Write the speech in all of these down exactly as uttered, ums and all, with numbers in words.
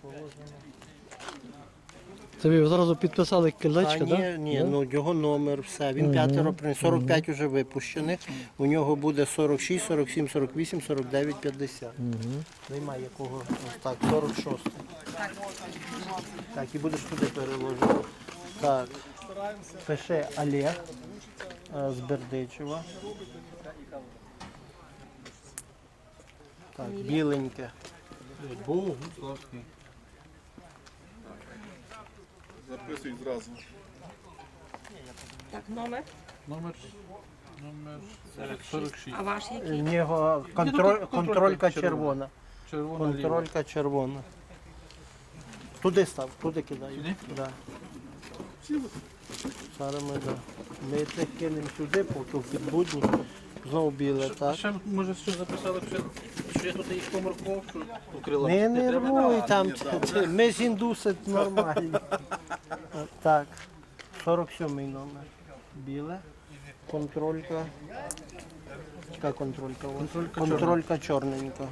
Це ви зразу підписали А, кілечко, ні, так? ні, ну його номер, все. Він п'ятеро приніс, сорок п'ять вже випущених. У нього буде сорок шість, сорок сім, сорок вісім, сорок дев'ять, п'ятдесят. Немає якого, ось так, сорок шість. Так, і будеш туди переложити. Так, пише Олег е, з Бердичева. Так, біленьке. Богу, Славський. Записують зразу. Так, номер. Номер, номер сорок шість. А ваш У який? нього контроль, контролька червона. Червона ліва. Контролька червона. Туди став, туди кидай. Сюди? Да. Зараз ми, да. ми тих кинемо сюди, поки в підбудні. Знову біле, так? Ще, може, що записали, що, що я тут їх морков, що укрила. Не нервуй там, це- ми з індуси нормальні. Так, сорок сьомий номер. Біле. Контролька. Яка контролька у вас? Контролька Контролька чорненька.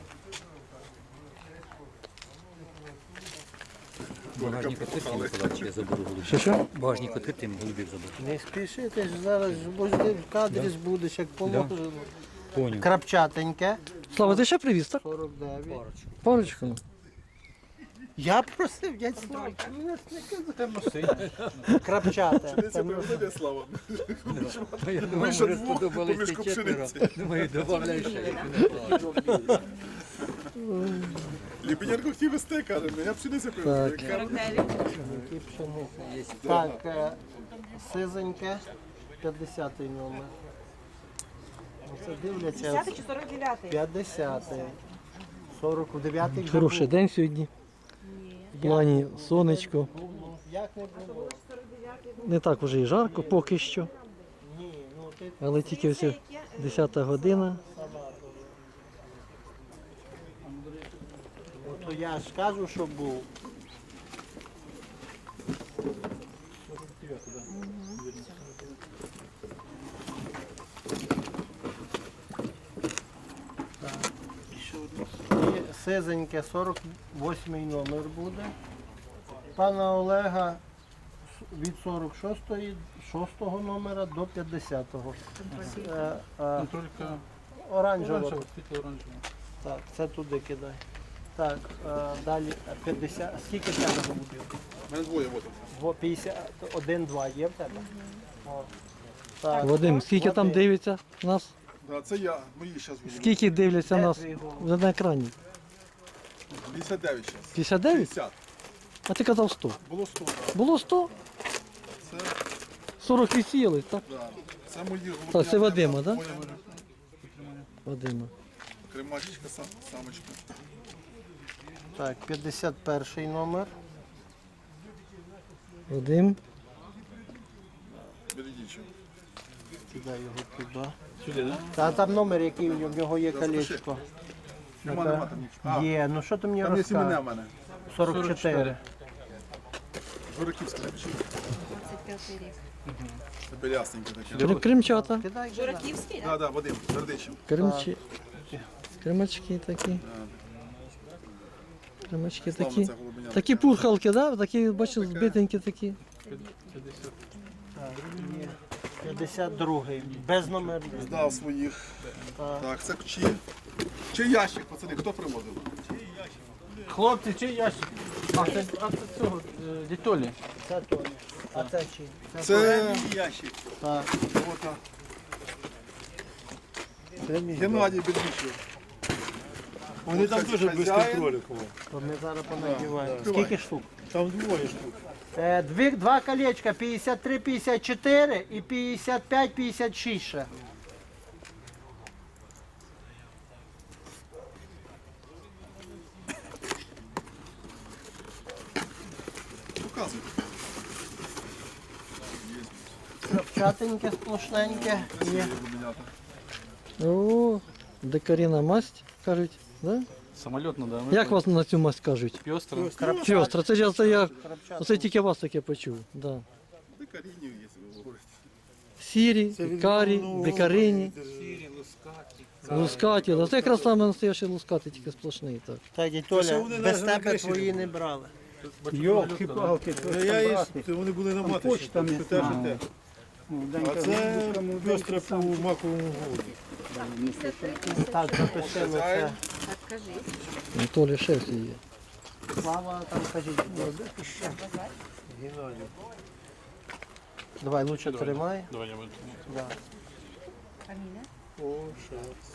Багажник відкритий, Миколаївич, я заберу голубів. Що що? Багажник відкритий, голубів заберу. Не спіши, ти ж зараз бо ж ти в кадрі будеш, як положено. Поняв. Крапчатеньке. Слава, ти ще привіз, так? сорок дев'ять. Парочку. ну. Я просив, дядь Слава, мене ж не казав. Крапчате. Це приведе слава. Я думав, Ми ще може, двох сподобались поміж ті четверо. пшениці. Думаю, добавляй ще. як не Ліпенярко хотів вести, каже, я пшениця приведу. Так. Яка сорок дев'ять. Які пшениці. Так, е, сизеньке, п'ятдесятий номер. Оце дивляться. десятий чи сорок дев'ятий? п'ятдесятий. сорок дев'ятий вже Хороший був. день сьогодні. В плані сонечко. Як не було? Не так вже і жарко поки що. Ні, ну ти Але тільки ось десята година. то я ж кажу, що був. Так, ще одне. І сизеньке, сорок восьмий номер буде. Пана Олега від сорок шостого, шостого номера до п'ятдесятого. Е, е, контролька Оранжева. оранжева, світло оранжева. Так, це туди кидай. Так, е, далі п'ятдесят. Скільки в тебе голубів? У мене двоє вот. Во- п'ятдесят один, два є в тебе? О. Так. Вадим, скільки там Вадим. дивиться нас? Да, це я, мої зараз були. Скільки дивляться Де нас твій голуб? вже на екрані? п'ятдесят дев'ять зараз. п'ятдесят дев'ять? п'ятдесят. А ти казав сто. Було сто, так. Було сто? Це, сорок відсіяли, так? да. Це мої голуби. Так, це Вадима, Моя да? може. Вадима. Кремачечка, сам- самочка. Так, п'ятдесят перший номер. Вадим. Бередічо. Кидай його туди. Сюди, так? Та там номер, який у нього, в нього є колечко. Нема, нема там нічого. А, Є, ну що ти мені там є сімена розказуєш? в мене. сорок чотири. Жураківське напишіть. двадцять п'ятий рік. Це белясненьке таке. Крим- Кримчата. Кидай, кидай. Жураківський, так? Так, так, Вадим, Бердичев. Кримчі. Кримачки такі. Кримачки Славно такі. це голубеня. Такі пурхалки, да? Такі, бачу, збитенькі такі. Так, є. п'ятдесят другий. Без номерів. Здав своїх. Так. Так, це чи, чи ящик, пацани, хто привозив? Хлопці, чи ящик? А це, а це цього, е, дітолі. Це Тоня. А це чи? Це ящик. Так. Ота. Геннадій Бердичев. Вони там Хазяїн. дуже без контролю. То ми зараз понадіваємо. Скільки штук? Там двоє штук. Е, Дві, два колечка, п'ятдесят три, п'ятдесят чотири і п'ятдесят п'ять, п'ятдесят шість ще. Показуй. Крапчатеньке, сплошненьке. Є. Голубенята. О, декаріна масть, кажуть, да? Самольотно, да. Як вас на цю масть кажуть? Пьостро. Пьостра, це ж це я, Крапчатеньке. оце тільки вас таке почув. Да. Декарінів є, ви говорите. Сірі, карі, декарині. Лускаті, да. Це якраз саме настоящий лускаті, тільки сплошний. Так. Так, дядь Толя, без тебе твої не брали. Йолки-палки, Ну, я і вони були на маточі, почта там не що те, що знаю. те. А це пестре по маковому голоді. Так, запишемо це. Так, кажіть. Анатолій шеф є. Слава, там кажіть, ще. Геннадій. Давай, лучше тримай. Давай я буду. Да. Фамілія? О, ще.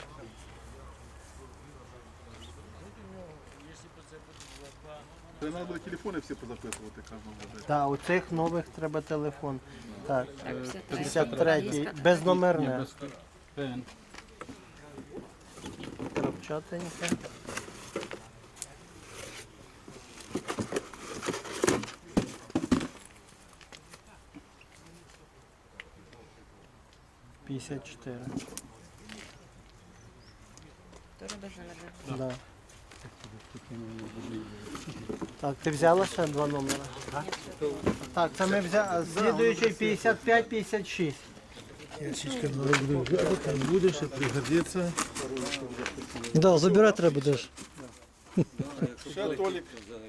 Це треба було телефони всі позаписувати кожного буде. Так, у цих нових треба телефон. Так, Так, п'ятдесят третій, безномерне. Пен. Крапчатеньке. п'ятдесят чотири. Тоже безномерне. Да. Так, ти взяла ще два номера? Так, це ми взяли. Слідуючий п'ятдесят п'ять п'ятдесят шість. Ящичка буду взяти, там буде, ще пригодиться. Да, забирати треба будеш. Ще Толік.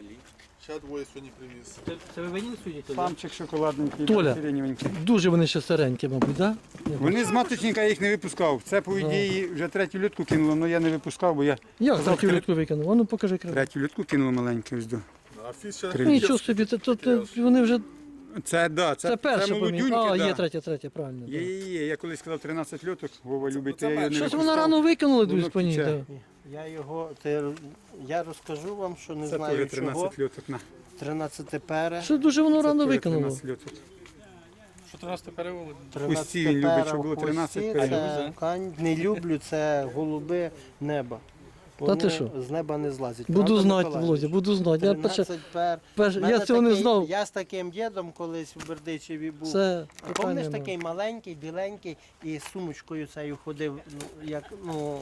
Ще двоє сьогодні привіз. Це, це ви мені судите? Памчик шоколадненький, Толя. сиреневенький. Дуже вони ще старенькі, мабуть, так? Да? Вони з маточника я їх не випускав. Це, по ідеї, вже третю лютку кинуло, але я не випускав, бо я Як третю літку викинув? А ну покажи крив. третю лютку кинуло маленьку. Ось до. А фіс ще Привіз. Нічого собі, це, то, то, вони вже, Це, да, це, це перше поміг. молодюньки, А, да. є третя, третя, правильно. Є, Да. є, є. Я колись сказав тринадцять льоток, Вова любить, то я його не Щось випускав. вона рано викинула, Воно дивись по ній. тече. Да. Я його, ти, я розкажу вам, що не Це знаю теж чого. тринадцять льоток. На. тринадцяте пере. Що дуже воно Це рано теж викинуло. тринадцять льоток. Що тринадцяте перевели? Усі він любить, щоб було тринадцять пере. Це кань- не люблю, це голуби неба. Вони ти що? з неба не злазять. Буду Правда, знати, Миколаївич? Володя, буду знати. Я, перше, тринадцять пер. перше, Мене я цього не такий- знав. Я з таким дідом колись в Бердичеві був. Це Помниш, питання. такий маленький, біленький, і з сумочкою цією ходив, ну, як, ну,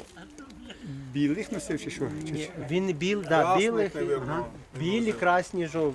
Білих носив чи що? Чи ні, що? він біл, да, білих, не вибрав. білі, красні, жовті.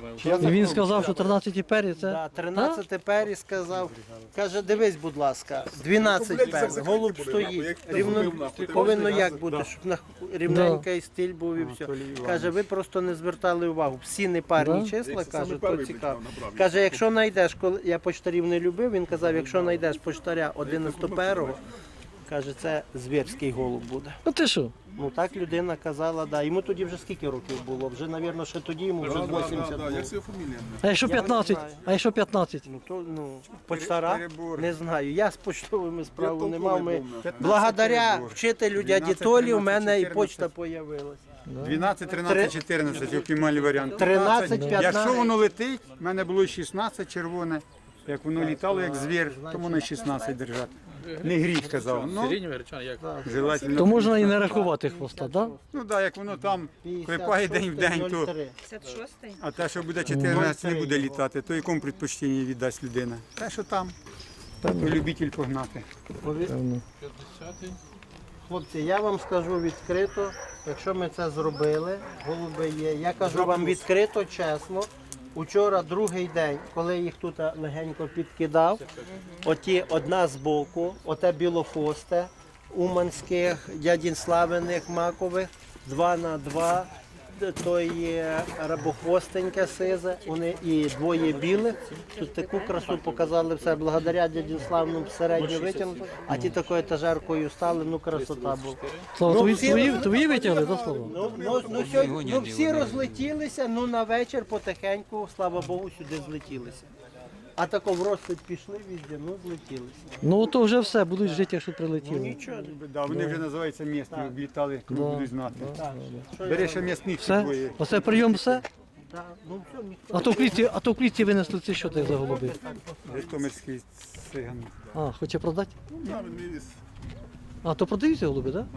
І він сказав, що тринадцять пері це. Да, тринадцять пері сказав, каже, дивись, будь ласка, дванадцять пер, голуб стоїть, рівно, повинно як бути, щоб на рівненький стиль був і все. Каже, ви просто не звертали увагу, всі непарні Да. числа, каже, то перший цікаво. набрав. Каже, якщо знайдеш, коли я почтарів не любив, він казав, якщо знайдеш почтаря одинадцятиперого, каже, це звірський голуб буде. А ти що? Ну так людина казала, да. Йому тоді вже скільки років було? Вже, мабуть, ще тоді йому вже Да, да, да, вісімдесят да, було. як це фамілія? А якщо Я не п'ятнадцять? знаю. А якщо п'ятнадцять? Ну то ну почтара Перебор. не знаю. Я з поштовими справу не толковий мав. Ми був, п'ятнадцять благодаря перебор. вчителю дяді дванадцять, Толі у мене і тринадцять, почта появилась. дванадцять, тринадцять, чотирнадцять, оптимальний варіант. тринадцять, Якщо п'ятнадцять. воно летить, в мене було шістнадцять червоне. Як воно літало як звір, то воно шістнадцять держати. Не гріх казав. Ну, Сиреневий гречан, як? желательно. То можна і не рахувати хвоста, так? Да? Ну так, як воно там клепає день в день, то. п'ятдесят шостий? А те, що буде чотирнадцять, не буде літати, то якому предпочтенні віддасть людина? Те, що там, то любитель погнати. Певно. п'ятдесятий. Хлопці, я вам скажу відкрито, якщо ми це зробили, голуби є. Я кажу вам відкрито, чесно. Учора другий день, коли я їх тут легенько підкидав, оті одна з боку, оте білохвосте, уманських, дядін Славиних, макових, два на два, то є рабохвостеньке сизе, вони і двоє білих. Тут таку красу показали все, благодаря дяді Славному середньо витягнути, а ті такою етажеркою стали, ну красота була. Слава, Ну, твої, всі- твої, твої витягли, так, Слава? Ну, ну, ну, сьогодні, ну всі розлетілися, ну на вечір потихеньку, слава Богу, сюди злетілися. А тако в розсвіт пішли везде, ну злетілися. Ну то вже все, будуть жити, якщо Ну прилетіли. нічого. Да, вони вже називаються місні, облітали, коли Да. будуть знати. Так, що я- Бери ще м'ясних Все? двоє. Оце прийом все? Так, ну все, ніхто. А то в клітці, а то в клітці винесли це що так за голуби? Житомирський циган. А, хоче продати? Да, він мій віз. А, то продаються голуби, так?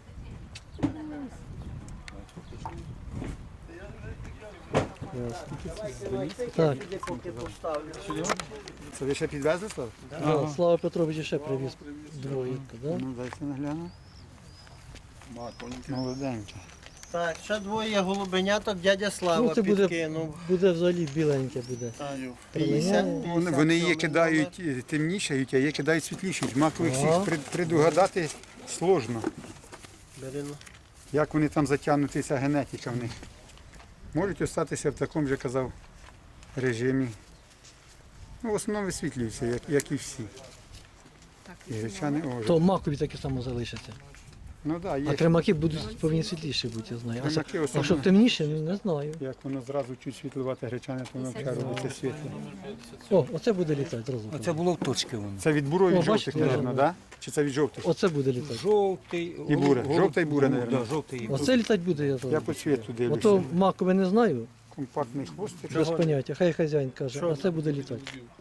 Так. Сюди поки поставлю. Це ви ще підвезли, Слав? Да, Слава Петрович ще привіз двоєнку, да? Ну, дайте нагляну. Ма, тоненький. Молоденький. Так, ще двоє голубеняток дядя Слава Ну, це буде, підкинув. буде взагалі біленьке буде. п'ятдесят, Вони, п'ятдесят вони її сьомий кидають е, темнішають, а її кидають світлішають. Макових всіх Ага. пред- предугадати сложно. Бери, ну. Як вони там затягнутися, генетика в них. Можуть остатися в такому же, казав, режимі. Ну, в основному висвітлюються, як, як і всі. Так, І гречани ожить. То макові таке само залишаться. Ну так, да, А є. кремаки будуть повинні світліші бути, я знаю. А, Кремаки це- а особливо. щоб темніше, ну, не знаю. Як воно зразу чуть світлувати гречани, то воно вже робиться світло. О, оце буде літати зразу. Оце було в точки воно. Це від бурових О, жовтих, бачите, мабуть, да? Чи це від жовтих? Оце буде літати. Жовтий. І буре. голуб- Жовта і буре, голуб, наверно. да, жовтий і буре. Оце літати буде, я Я знаю. по світу дивлюся. Ото макове не знаю, Компактний хвостик. без поняття. Хай хазяїн каже, а це буде літати.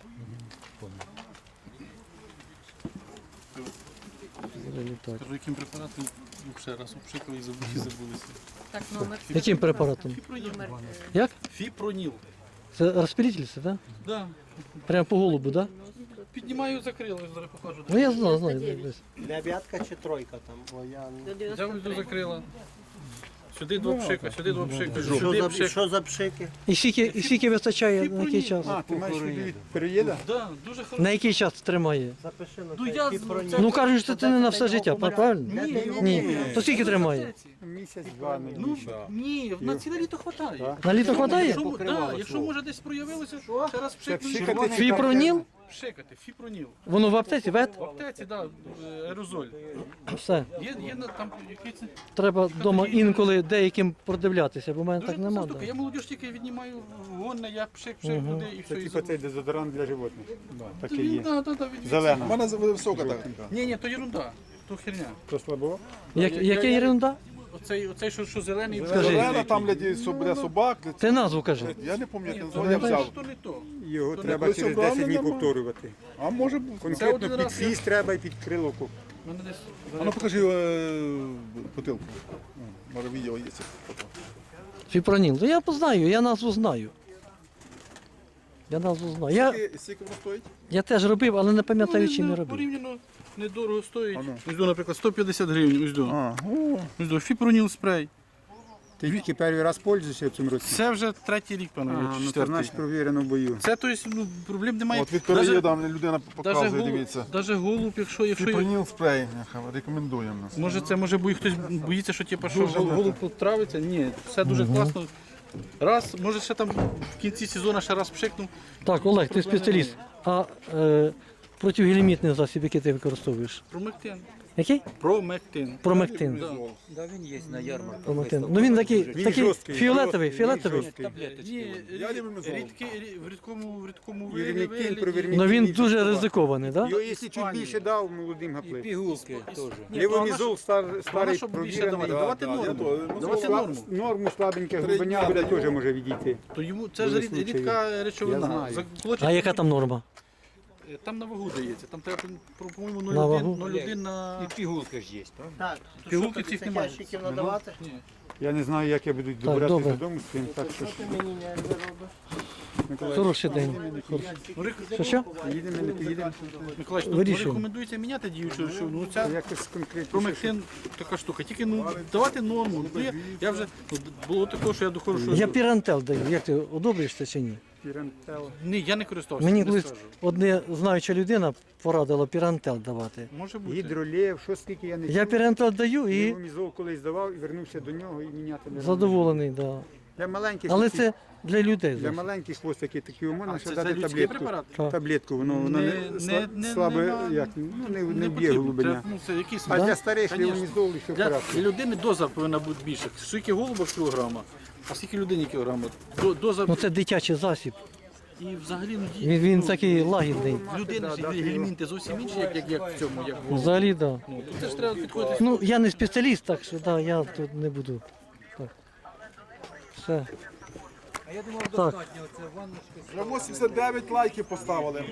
Буде літати. Кажу, яким препаратом ну, ще раз обшикали і забули, і забулися. Так, номер. Яким препаратом? Номер. е, Як? Фіпроніл. Це розпилитель, це, так? Да. Прямо по голубу, так? Піднімаю, закрили, зараз покажу. Ну я знаю, знаю. десь. Дев'ятка чи тройка там? О, я... не- Взяв йду закрила. Сюди два пшика, сюди два пшика, Що сюди за, пшик. що за пшики? І скільки, і скільки вистачає на який час? А, ти маєш собі від переїда? Да, дуже хорошо. На який час тримає? Запиши на Ну, цей я- фіпроніл. це- Ну кажуть, що це не на все життя, правильно? Ні. То скільки тримає? Місяць-два, не Ну, більше. ні, на ціле літо хватає. На літо хватає? Якщо, да, якщо може десь проявилося, ще раз Це пшикнути. пшикати Фіпроніл? Пшикати, фіпроніл. Воно в аптеці, вет? В аптеці, да, е, аерозоль. Все. Є, є на там який це. Треба вдома інколи деяким продивлятися, бо в мене Дуже так нема. класна штука. да. Я молодіж тільки віднімаю гонне, я пшик, пшик Мгм. туди і Це все. і типу цей дезодорант для животних. Такий Він, є. да, да, да, від- У Зелена. мене з- висока техніка. Ні, ні, то ерунда, то херня. То слабо? Як, Я- яке я- ерунда? Оцей, оцей що, що зелений, Скажи. Зелена, там для, ді- для собак. Для... Ти назву кажи. Я не пам'ятаю, Ні, як то я не взяв. то, не то. Його То треба не через десять десять днів нормально. повторювати. А може бути. Це Конкретно один під раз я- хвіст треба і під крило. ку- Мене десь А ну покажи е, бутилку. О, може відео є. це фото. Фіпроніл. Ну я познаю, я назву знаю. Я назву знаю. Я, Скільки- Скільки воно стоїть? я теж робив, але не пам'ятаю, Ну, чим я не- робив. порівняно недорого стоїть. А ну. Ось до, наприклад, сто п'ятдесят гривень. Ось до. А, о, Ось до. Фіпроніл спрей. Ти тільки перший раз пользуєшся в цьому році? Це вже третій рік, пане, А, ну це четвертий. значить провірено в бою. Це, то есть, ну, проблем немає. от від Даже- переїда людина даже показує, голуб, дивіться. даже голуб, якщо, якщо Фіпроніл спрей, нехай, рекомендуємо нас. може це може бо хтось боїться, що типу, що Дуже гол- не голуб потравиться. Ні, все дуже класно. Раз, може ще там в кінці сезону ще раз пшикнув. Так, Олег, ти спеціаліст. А е, протигелімітний засіб, який ти використовуєш? Промектин. Який? Промектин. Промектин. Да, він є на ярмарку. Промектин. Ну він такий, Він такий жорсткий, фіолетовий, він фіолетовий. жорсткий. Ні, Я рі- люблю мезол. рідкий, рі- в рідкому, в рідкому Вірмікін, вигляді. провірмікін. Ну він дуже ризикований, так? Да? Його якщо чуть більше дав, молодим І гаплив. пігулки теж. Лівомізол стар, Вона, старий щоб більше провірений. давати, давати да, я норму. то- Давати Слаб- норму. Норму слабеньке Три глибиня дня буде даю. теж може відійти. То йому це ж Були рід- случаї. рідка речовина. Я знаю. Заколочить- А яка там норма? Там на вагу дається. Там треба, про- по-моєму, На вагу? нуль цілих один на... І пігулки ж є, правда? Так, то Пігулки що тобі цих цих немає. ящиків надавати? Ні. Я не знаю, як я буду добиратися добре. додому з цим, так що ж, Ти мені не робиш. Миколай, Хороший день. Ну, рек- Що що? їдемо, не поїдемо. Миколаївич, ну, Вирішуємо. рекомендується міняти діючу, що ну ця Якось конкретно. промектин така штука. Тільки ну давати норму. Ну, я, я вже ну, було таке, що я доходжу, що Я пірантел даю. Як ти одобриш це чи ні? Пірантел. ні, я не користувався. Мені не колись скажу. одне знаюча людина порадила пірантел давати. Може бути. Гідролєв, що скільки я не Я пірантел даю і Лівомізол колись давав і вернувся до нього і міняти не робив. задоволений, да. Для маленьких, Але такі- це для людей. для зовсім. маленьких хвостиків такі можна А, ще це, дати це людський таблетку. препарат? Так. Таблетку, воно, воно Не- не, не- сла- не- слабе, нема- як, ну, не, не, Не б'є потрібно. голубиня. Це, ну, це якийсь А Да? для старих Конечно. лівомізол і все Для вкратце. людини доза повинна бути більша. Скільки голуба кілограма, а скільки людині кілограма. До- Доза Ну це дитячий засіб. і взагалі ну, ді- Він, він ну, такий лагідний. в людини ж гельмінти зовсім інші, як, як, як в цьому, як в голубі. Взагалі, так. Да. Ну, тут теж треба підходити. Ну, я не спеціаліст, так що да, я тут не буду. Так. Все. А я думав, Так. достатньо. Це ванночка. Вже вісімдесят дев'ять лайків поставили.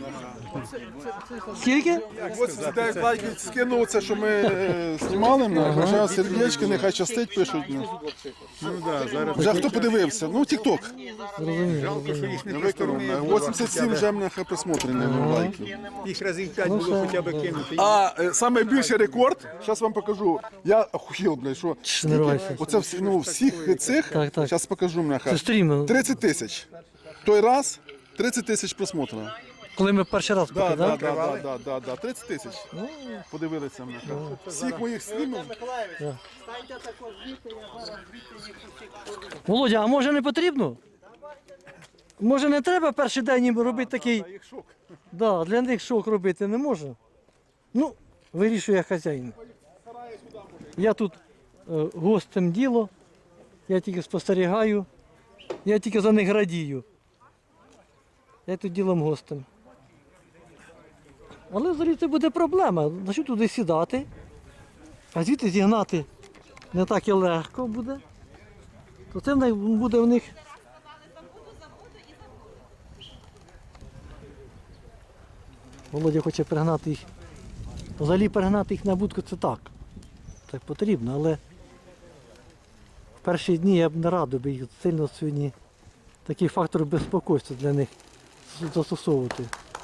Скільки? вісімдесят дев'ять лайків скинув це, що ми е, знімали. Ага. Вже сердечки, нехай щастить пишуть. Ну. Ну, да, зараз Вже хто подивився? Ну, тік-ток. Зрозумів. жалко, що їх не Я по виконав. стороні. вісімдесят сім вже нехай присмотрені лайків. Їх разів п'ять Ну, було все. хоча б кинути. А е, найбільший рекорд, зараз вам покажу. Я охуєл, блядь, що Чш, не рвайся. оце всі, ну, всіх цих, Так, так. зараз покажу, Це нехай. стрім. тридцять тисяч. Той раз тридцять тисяч просмотрів. Коли ми перший раз Да, пекли, да, так? да, да, да, да, да. тридцять тисяч. Подивилися мене. Всіх моїх снімів. Миколаївич, станьте також звідти, я зараз звідти їх усіх. Володя, а може не потрібно? Може не треба перший день їм робити такий. Їх шок. Да, для них шок робити не можна. Ну, вирішує хазяїн. Я тут е, гостем діло, я тільки спостерігаю, я тільки за них радію. Я тут ділом гостем. Але взагалі це буде проблема. Значить туди сідати, а звідти зігнати не так і легко буде. То це в них буде в них. Володя хоче пригнати їх. Взагалі пригнати їх на будку це так. Так потрібно, але в перші дні я б не радив би їх сильно сьогодні такий фактор безпокойства для них застосовувати.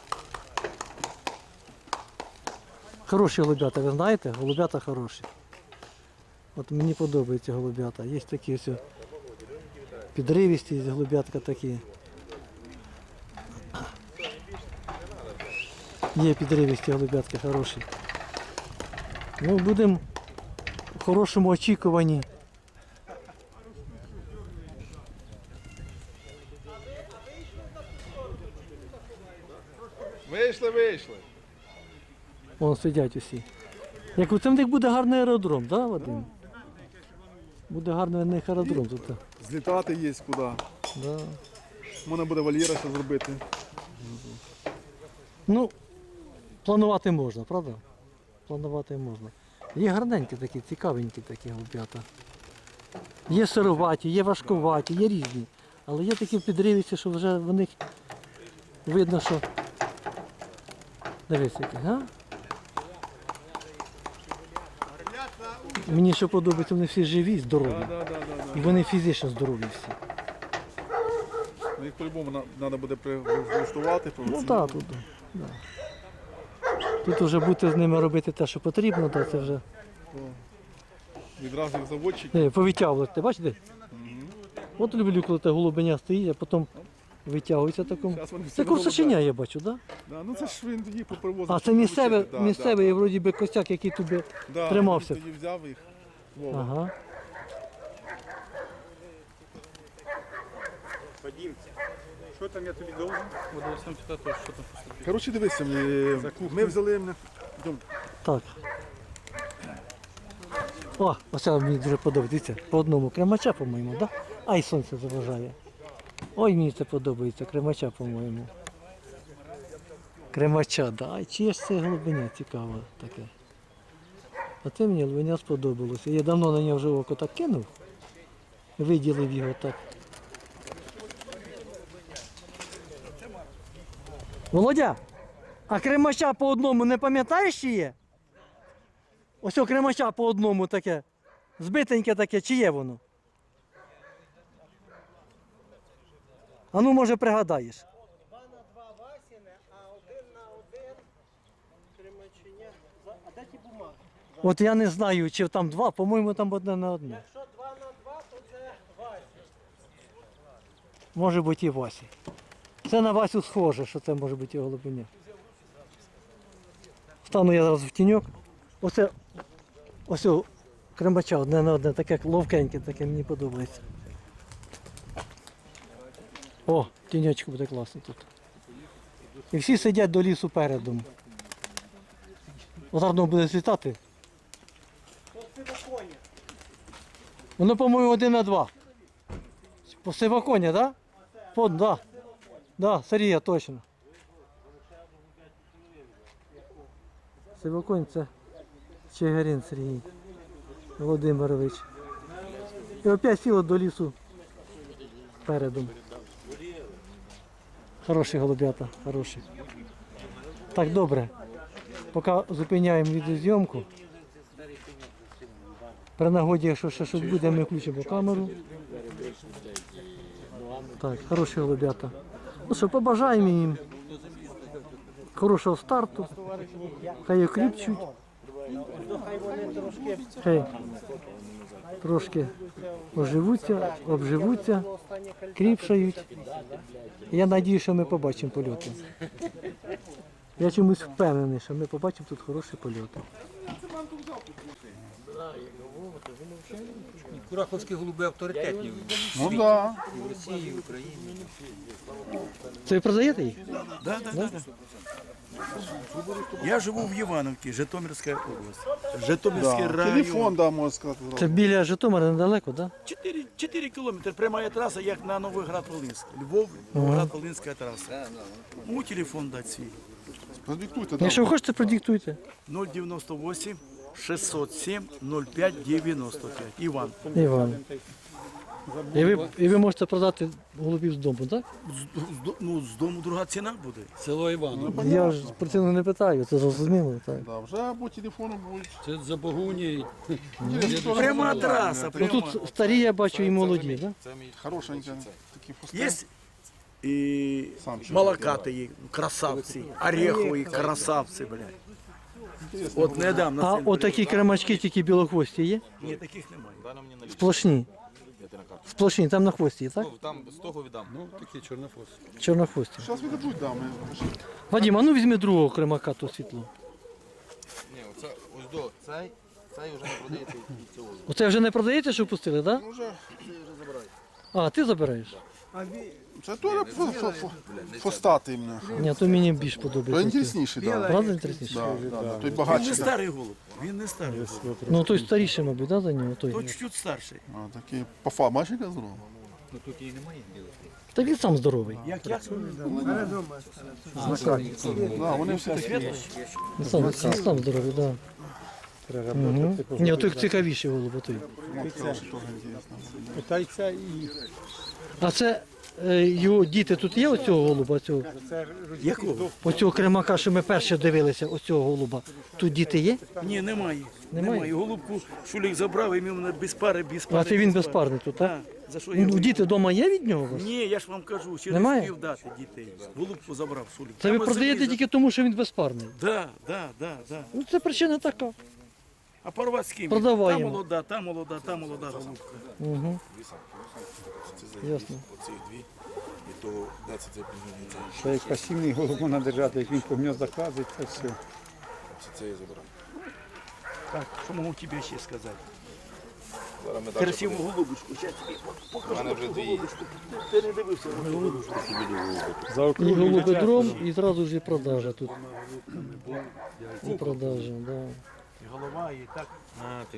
Хороші голубята, ви знаєте? Голубята хороші. От мені подобаються голубята. Є такі ось підривісті голубятка такі. Є підривісті голубятки хороші. Ну, будемо в хорошому очікуванні. Вийшли, вийшли. Вон сидять усі. Як у цим них буде гарний аеродром, так, да, Вадим? Буде гарний в них аеродром тут. Злітати є куди. Да. Можна буде вольєра ще зробити. Ну, планувати можна, правда? Планувати можна. Є гарненькі такі, цікавенькі такі голубята. Є сироваті, є важкуваті, є різні. Але є такі підривісті, що вже в них видно, що... Дивись, які, га? Мені що подобається, вони всі живі, здорові. Да, да, да, да. І вони фізично здорові всі. Ну, їх по-любому треба буде прилаштувати. Ну так, тут. Да. Тут вже будете з ними робити те, що потрібно, то це вже. Відразу їх заводчик. Не, повитягувати, бачите? От люблю, коли та голубеня стоїть, а потім витягується такому. Зараз вони всі Це голубя. косаченя, я бачу, так? Да, ну це ж він тоді попривозив. Да? А це щоб місцеве, вивчити. Да, місцевий, да, вроді би, костяк, який тобі да, тримався. він тоді взяв їх. Вова. Ага. Що там я тобі должен? Буду вас там читати, що там поступить. Коротше, дивися, ми, ми взяли мене. Так. О, оце мені дуже подобається. Дивіться, по одному кремача, по-моєму, так? Да? Ай, сонце заважає. Ой, мені це подобається, кремача, по-моєму. Кремача, да. Ай, чиє ж це голубеня цікаве таке. А це мені голубеня сподобалося. Я давно на нього вже око так кинув. Виділив його так. Володя, а кремача по одному не пам'ятаєш, чи є? Ось о кремача по одному таке. Збитеньке таке, чи є воно? А ну, може, пригадаєш. Два на два Васіне, а один на один Кремаченя. А де ті бумаги? От я не знаю, чи там два, по-моєму, там одне на одне. Якщо два на два, то це Вася. Може бути і Васі. Це на Васю схоже, що це може бути і голубиня. Стану я зараз в тіньок. Оце, ось о, кремача одне на одне, таке ловкеньке, таке мені подобається. О, тіньочку буде класно тут. І всі сидять до лісу передом. Гарно буде злітати. Воно, по-моєму, один на два. По сивоконя, так? Да? Так, да. Да, Сарія, точно. Сивоконь це Чигирин Сергій Володимирович. І опять сіло до лісу передом. Хороші голубята, хороші. Так, добре. Поки зупиняємо відеозйомку. При нагоді, якщо ще щось буде, ми включимо камеру. Так, хороші голубята. Ну що, побажаємо їм хорошого старту. Хай окріпчуть. Хай вони трошки Хай трошки оживуться, обживуться, кріпшають. Я сподіваюся, що ми побачимо польоти. Я чомусь впевнений, що ми побачимо тут хороші польоти. Кураховські голуби авторитетні Ну так. Да. в Росії, в Україні. Це ви продаєте їх? Да, да, да, да. Я живу в Івановці, Житомирська область. Житомирський Да. район. Телефон, да, можна сказати. Це біля Житомира недалеко, так? чотири, чотири кілометри, прямая траса, як на Новоград-Волинськ. Львов, Новоград-Волинська траса. Мій телефон дать свій. Продиктуйте, Да? Якщо ви хочете, продиктуйте. нуль дев'яносто вісім шістсот сім нуль п'ять дев'яносто п'ять. Іван. Іван. І ви, і ви можете продати голубів з дому, так? З, з, до- ну, з дому друга ціна буде. Село Іваново. Я ж про ціну не питаю, це зрозуміло. Так. Да, вже по телефону будуть. Це за Богуні. Пряма траса, Ну пряма. тут старі, я бачу, і молоді, так? Хорошенькі такі фусти. Є і Сам ще молокатої, красавці, орехові красавці, блядь. От недавно. А син отакі кремачки тільки білохвості є? Ні, таких немає. Сплошні. Сплошні, там на хвості, є, так? Ну, такі чорнофос. Чорнохвості. Зараз віддадуть, да, ми. Вадим, а ну візьми другого кремака, то світло. Ні, оце ось до цей, цей вже не продається і цього. Оце вже не продаєте, що пустили, так? Ну, вже. А, ти забираєш? Це теж фо- фо- фо- фостатий мене. Ні, то мені більш То подобається. інтересніший, так. Правда інтересніше? Да, да, да. Той Він багатший. не старий голуб. Він не старий голуб. Ну той старіший, мабуть, да, за нього? Той. То чуть-чуть старший. А, такий по фа, бачиш, яка здорова? Ну тут і немає білих. Та він сам здоровий. Як як? Да, вони всі такі. Він сам, сам, сам здоровий, так. Да. Угу. Ні, той цікавіший голуб, той. От хороший теж інтересно. Питається і А це е, його діти тут є оцього голуба, цього, Якого? оцього кремака, що ми перше дивилися, оцього голуба. Тут діти є? Ні, немає. Немає? Немає. Голубку Шулік забрав і він мене без пари, без пари. А це він без пари. безпарний тут, так? Так. За що я Ну, його- діти вдома є від нього у вас? Ні, я ж вам кажу, через Немає? пів дати дітей. Голубку забрав Шулік. Це ви Прямо продаєте землі тільки тому, що він безпарний. за- Да, да, да, да. Ну це причина така. А порвати з ким? Продаваємо. Та молода, та молода, та молода голубка. Угу. Ясно. що як пасівний голуб можна держати, як він по гніздах лазить, це все. Так, що можу тобі ще сказати? Красиву голубочку. Зараз тобі покажу голубочку. Ти ти не дивився на цю голубочку. І голубодром, і одразу ж і продажа тут. І продажа, да. І голова, і так. А, ти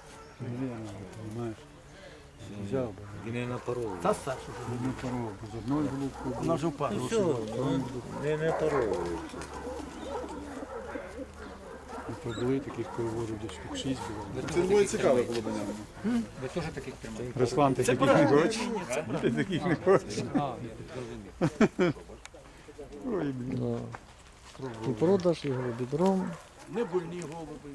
взяв. Він не напоров. Та старша. Не порог, з одною голубкою. Вона вже впала. Не напоров. Були таких переводів десь штук шість було. Це двоє цікаве було до нього. Ви теж таких тримаєте? Руслан, ти таких не хочеш? Ти таких не хочеш? А, ні, зрозумів. Ой, блін. Да. І продаж, і голубодром. Не больні голуби.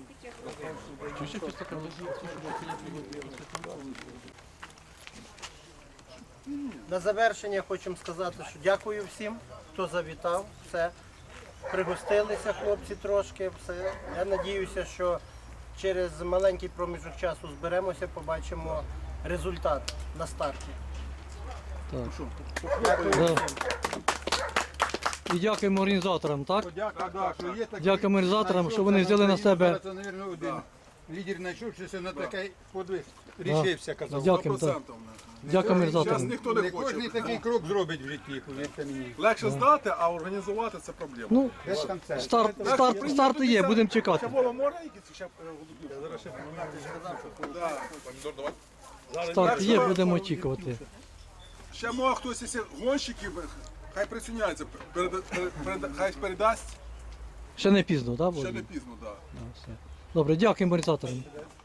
На завершення хочемо сказати, що дякую всім, хто завітав. Все. Пригостилися хлопці трошки. Все. Я сподіваюся, що через маленький проміжок часу зберемося, побачимо результат на старті. Так. Дякую. Да. І дякуємо організаторам, так? Дякую, да, що є такі. Дякуємо організаторам, що вони взяли на себе. Це, мабуть, один лідер знайшовся на такий подвиг. Рішився, казав. Дякуємо, так. Дякуємо Зараз організаторам. ніхто не Не кожен хоче. такий крок зробить в житті, повірте мені. Легше здати, а організувати це проблема. Ну, Без концерту. старт, старт, старт є, будемо чекати. Ще було море якісь ще е, голубів? Зараз ще Да. Зараз Старт так, є, що- будемо очікувати. Ще може хтось із гонщиків, хай присуняється, переда- пере- переда- хай передасть, Ще не пізно, так? ще Володя? не пізно, так. Добре, дякуємо організаторам.